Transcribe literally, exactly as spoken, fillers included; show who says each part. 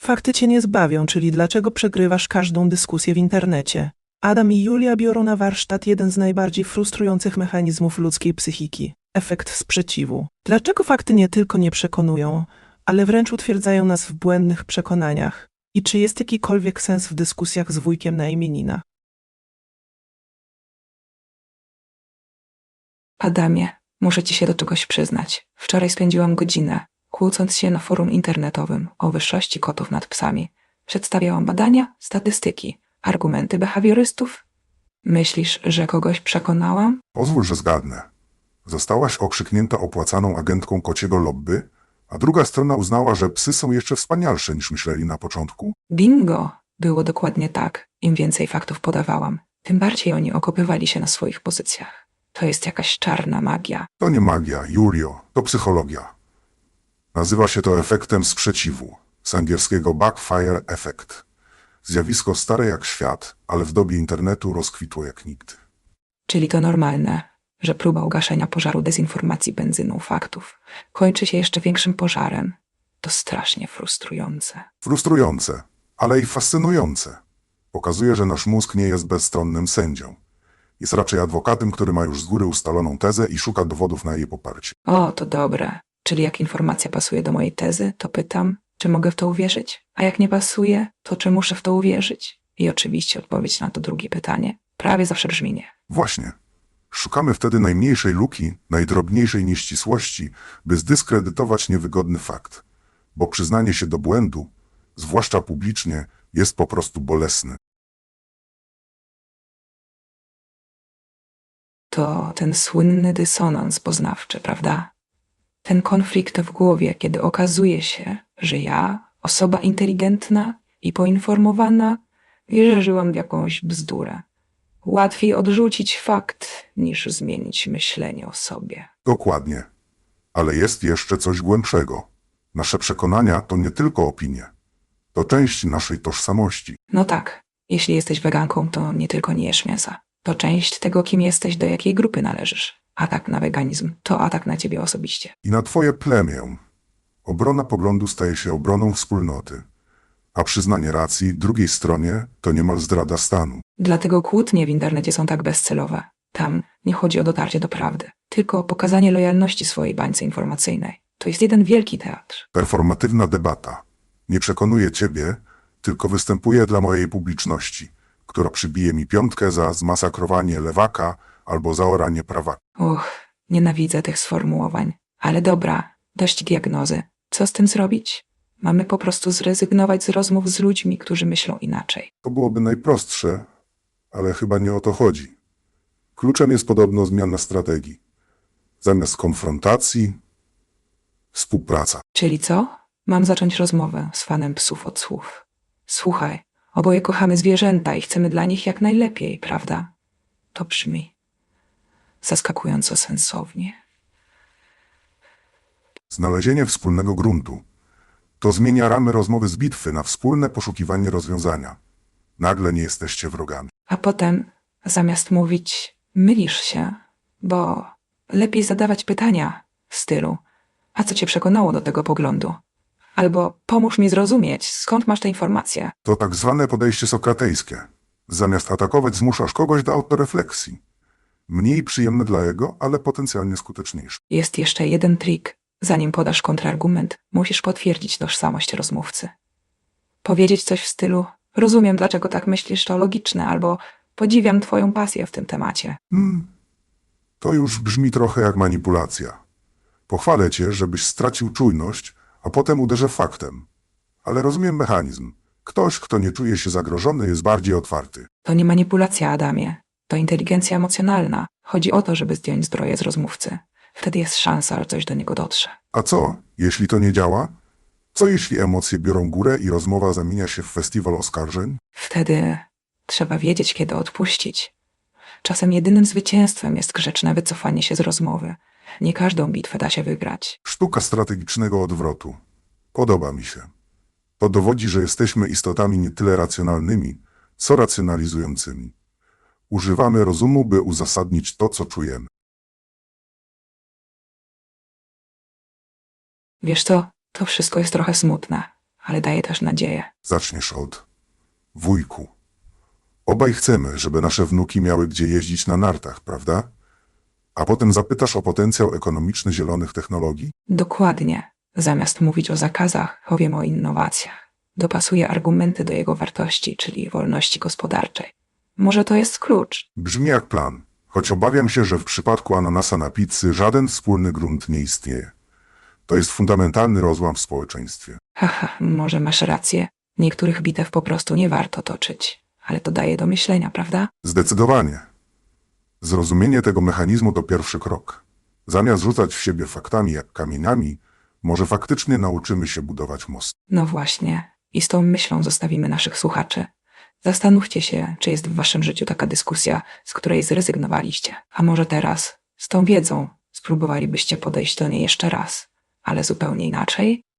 Speaker 1: Fakty cię nie zbawią, czyli dlaczego przegrywasz każdą dyskusję w internecie. Adam i Julia biorą na warsztat jeden z najbardziej frustrujących mechanizmów ludzkiej psychiki – efekt sprzeciwu. Dlaczego fakty nie tylko nie przekonują, ale wręcz utwierdzają nas w błędnych przekonaniach? I czy jest jakikolwiek sens w dyskusjach z wujkiem na imieninach?
Speaker 2: Adamie, muszę ci się do czegoś przyznać. Wczoraj spędziłam godzinę, kłócąc się na forum internetowym o wyższości kotów nad psami. Przedstawiałam badania, statystyki, argumenty behawiorystów. Myślisz, że kogoś przekonałam?
Speaker 3: Pozwól, że zgadnę. Zostałaś okrzyknięta opłacaną agentką kociego lobby, a druga strona uznała, że psy są jeszcze wspanialsze niż myśleli na początku?
Speaker 2: Bingo! Było dokładnie tak. Im więcej faktów podawałam, tym bardziej oni okopywali się na swoich pozycjach. To jest jakaś czarna magia.
Speaker 3: To nie magia, Julio, to psychologia. Nazywa się to efektem sprzeciwu, z angielskiego backfire effect. Zjawisko stare jak świat, ale w dobie internetu rozkwitło jak nigdy.
Speaker 2: Czyli to normalne, że próba ugaszenia pożaru dezinformacji benzyną faktów kończy się jeszcze większym pożarem. To strasznie frustrujące.
Speaker 3: Frustrujące, ale i fascynujące. Pokazuje, że nasz mózg nie jest bezstronnym sędzią. Jest raczej adwokatem, który ma już z góry ustaloną tezę i szuka dowodów na jej poparcie.
Speaker 2: O, to dobre. Czyli jak informacja pasuje do mojej tezy, to pytam, czy mogę w to uwierzyć? A jak nie pasuje, to czy muszę w to uwierzyć? I oczywiście odpowiedź na to drugie pytanie prawie zawsze brzmi nie.
Speaker 3: Właśnie. Szukamy wtedy najmniejszej luki, najdrobniejszej nieścisłości, by zdyskredytować niewygodny fakt. Bo przyznanie się do błędu, zwłaszcza publicznie, jest po prostu bolesne.
Speaker 2: To ten słynny dysonans poznawczy, prawda? Ten konflikt w głowie, kiedy okazuje się, że ja, osoba inteligentna i poinformowana, wierzyłam w jakąś bzdurę. Łatwiej odrzucić fakt, niż zmienić myślenie o sobie.
Speaker 3: Dokładnie. Ale jest jeszcze coś głębszego. Nasze przekonania to nie tylko opinie. To część naszej tożsamości.
Speaker 2: No tak, jeśli jesteś weganką, to nie tylko nie jesz mięsa. To część tego, kim jesteś, do jakiej grupy należysz. Atak na weganizm to atak na ciebie osobiście.
Speaker 3: I na twoje plemię. Obrona poglądu staje się obroną wspólnoty. A przyznanie racji drugiej stronie to niemal zdrada stanu.
Speaker 2: Dlatego kłótnie w internecie są tak bezcelowe. Tam nie chodzi o dotarcie do prawdy, tylko o pokazanie lojalności swojej bańce informacyjnej. To jest jeden wielki teatr.
Speaker 3: Performatywna debata. Nie przekonuje ciebie, tylko występuje dla mojej publiczności, która przybije mi piątkę za zmasakrowanie lewaka albo zaoranie prawaka.
Speaker 2: Uch, nienawidzę tych sformułowań. Ale dobra, dość diagnozy. Co z tym zrobić? Mamy po prostu zrezygnować z rozmów z ludźmi, którzy myślą inaczej.
Speaker 3: To byłoby najprostsze, ale chyba nie o to chodzi. Kluczem jest podobno zmiana strategii. Zamiast konfrontacji, współpraca.
Speaker 2: Czyli co? Mam zacząć rozmowę z fanem psów od słów. Słuchaj, oboje kochamy zwierzęta i chcemy dla nich jak najlepiej, prawda? To brzmi zaskakująco sensownie.
Speaker 3: Znalezienie wspólnego gruntu. To zmienia ramy rozmowy z bitwy na wspólne poszukiwanie rozwiązania. Nagle nie jesteście wrogami.
Speaker 2: A potem, zamiast mówić, mylisz się, bo lepiej zadawać pytania w stylu: a co cię przekonało do tego poglądu? Albo pomóż mi zrozumieć, skąd masz te informacje.
Speaker 3: To tak zwane podejście sokratejskie. Zamiast atakować, zmuszasz kogoś do autorefleksji. Mniej przyjemne dla jego, ale potencjalnie skuteczniejsze.
Speaker 2: Jest jeszcze jeden trik. Zanim podasz kontrargument, musisz potwierdzić tożsamość rozmówcy. Powiedzieć coś w stylu: rozumiem, dlaczego tak myślisz, to logiczne, albo podziwiam twoją pasję w tym temacie.
Speaker 3: Hmm, to już brzmi trochę jak manipulacja. Pochwalę cię, żebyś stracił czujność, a potem uderzę faktem. Ale rozumiem mechanizm. Ktoś, kto nie czuje się zagrożony, jest bardziej otwarty.
Speaker 2: To nie manipulacja, Adamie. To inteligencja emocjonalna. Chodzi o to, żeby zdjąć zbroję z rozmówcy. Wtedy jest szansa, że coś do niego dotrze.
Speaker 3: A co, jeśli to nie działa? Co jeśli emocje biorą górę i rozmowa zamienia się w festiwal oskarżeń?
Speaker 2: Wtedy trzeba wiedzieć, kiedy odpuścić. Czasem jedynym zwycięstwem jest grzeczne wycofanie się z rozmowy. Nie każdą bitwę da się wygrać.
Speaker 3: Sztuka strategicznego odwrotu. Podoba mi się. To dowodzi, że jesteśmy istotami nie tyle racjonalnymi, co racjonalizującymi. Używamy rozumu, by uzasadnić to, co czujemy.
Speaker 2: Wiesz co, to wszystko jest trochę smutne, ale daje też nadzieję.
Speaker 3: Zaczniesz od wujku. Obaj chcemy, żeby nasze wnuki miały gdzie jeździć na nartach, prawda? A potem zapytasz o potencjał ekonomiczny zielonych technologii?
Speaker 2: Dokładnie. Zamiast mówić o zakazach, powiem o innowacjach. Dopasuję argumenty do jego wartości, czyli wolności gospodarczej. Może to jest klucz.
Speaker 3: Brzmi jak plan, choć obawiam się, że w przypadku ananasa na pizzy żaden wspólny grunt nie istnieje. To jest fundamentalny rozłam w społeczeństwie.
Speaker 2: Haha, może masz rację. Niektórych bitew po prostu nie warto toczyć. Ale to daje do myślenia, prawda?
Speaker 3: Zdecydowanie. Zrozumienie tego mechanizmu to pierwszy krok. Zamiast rzucać w siebie faktami jak kamieniami, może faktycznie nauczymy się budować most.
Speaker 2: No właśnie. I z tą myślą zostawimy naszych słuchaczy. Zastanówcie się, czy jest w waszym życiu taka dyskusja, z której zrezygnowaliście. A może teraz, z tą wiedzą, spróbowalibyście podejść do niej jeszcze raz, ale zupełnie inaczej?